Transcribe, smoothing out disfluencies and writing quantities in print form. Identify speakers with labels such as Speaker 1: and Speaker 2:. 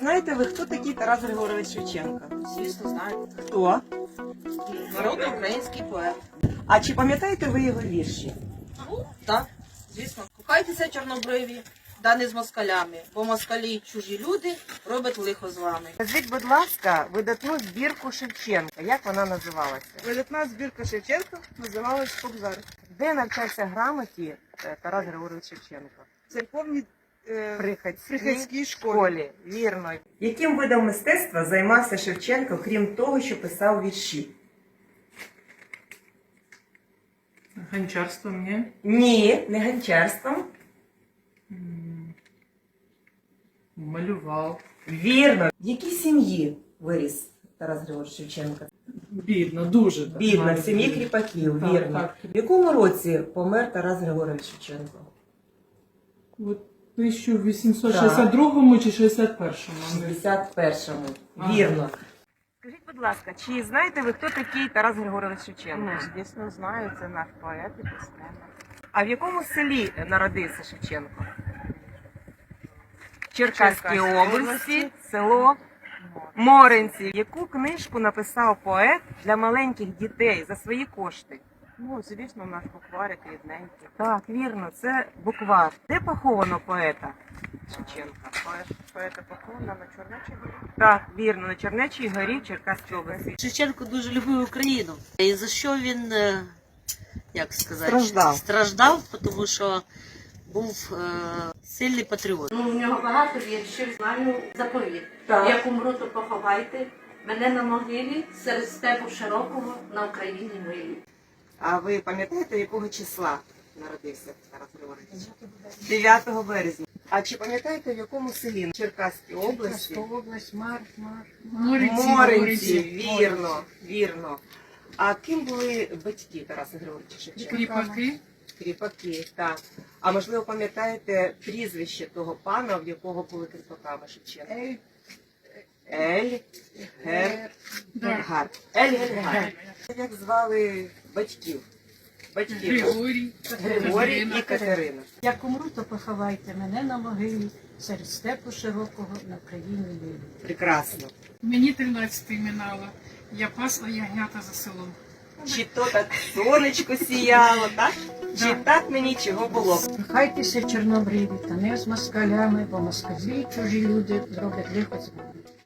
Speaker 1: знаєте ви, хто такий Тарас Григорович Шевченко?
Speaker 2: Звісно, знаю.
Speaker 1: Хто?
Speaker 2: Народний український поет.
Speaker 1: А чи пам'ятаєте ви його вірші?
Speaker 2: Так, звісно. Кохайтеся, чорнобриві, да не з москалями, бо москалі чужі люди роблять лихо з вами.
Speaker 1: Назвіть, будь ласка, видатну збірку Шевченка. Як вона називалася?
Speaker 3: Видатна збірка Шевченка називалась «Кобзар».
Speaker 1: Де навчався грамоті Тарас Григорович Шевченко?
Speaker 3: В церковній
Speaker 1: Приходській
Speaker 3: школі.
Speaker 1: Вірно. Яким видом мистецтва займався Шевченко, крім того, що писав вірші?
Speaker 4: Гончарством, ні?
Speaker 1: Ні, не гончарством.
Speaker 4: Малював.
Speaker 1: Вірно. В якій сім'ї виріс Тарас Григорович Шевченко?
Speaker 4: Бідно, дуже. так.
Speaker 1: Бідна, в сім'ї кріпаків,
Speaker 4: Так,
Speaker 1: вірно.
Speaker 4: так.
Speaker 1: В якому році помер Тарас Григорович Шевченко?
Speaker 4: У 1862 чи 61-му?
Speaker 1: 61-му.
Speaker 4: Ага.
Speaker 1: Вірно. Скажіть, будь ласка, чи знаєте ви, хто такий Тарас Григорович Шевченко?
Speaker 3: Звісно, знаю, це наш поет і письменник.
Speaker 1: А в якому селі народився Шевченко? В Черкаській області, село Моринці. Яку книжку написав поет для маленьких дітей за свої кошти?
Speaker 3: Ну, звісно, наш букварик рідненький.
Speaker 1: Так, вірно, це буквар. Де поховано поета Шевченка?
Speaker 3: Поета похована на Чорнечій горі.
Speaker 1: Так, вірно, на Чернечій горі в Черкаській області.
Speaker 5: Шевченко дуже любив Україну. І за що він, як сказати,
Speaker 1: Страждав.
Speaker 5: тому що був сильний патріот.
Speaker 6: Ну, у нього багато віршів, знаю заповіт.
Speaker 1: Так.
Speaker 6: Як умру, то поховайте мене на могилі серед степу широкого на Україні милі.
Speaker 1: А ви пам'ятаєте, якого числа народився Тарас Григорович? 9 березня. А чи пам'ятаєте, в якому селі? Черкаській області?
Speaker 3: область,
Speaker 1: Моринці, вірно, вірно. А ким були батьки Тараса Григоровича Шевченка?
Speaker 3: Кріпаки.
Speaker 1: Кріпаки, так. А можливо, пам'ятаєте прізвище того пана, в якого були кріпаками Шевченка? Ельгар. Ельгар. Як звали батьків? Григорій і Катерина.
Speaker 7: Як умру, то поховайте мене на могилі серед степу широкого на Україні милі.
Speaker 1: Прекрасно.
Speaker 8: Мені 13 минало. Я пасла ягнята за селом.
Speaker 1: Чи то так сонечко сіяло, так? Чи так мені чого було?
Speaker 7: Кохайтеся, чорнобриві, та не з москалями, бо москалі чужі люди зроблять лихо з вами.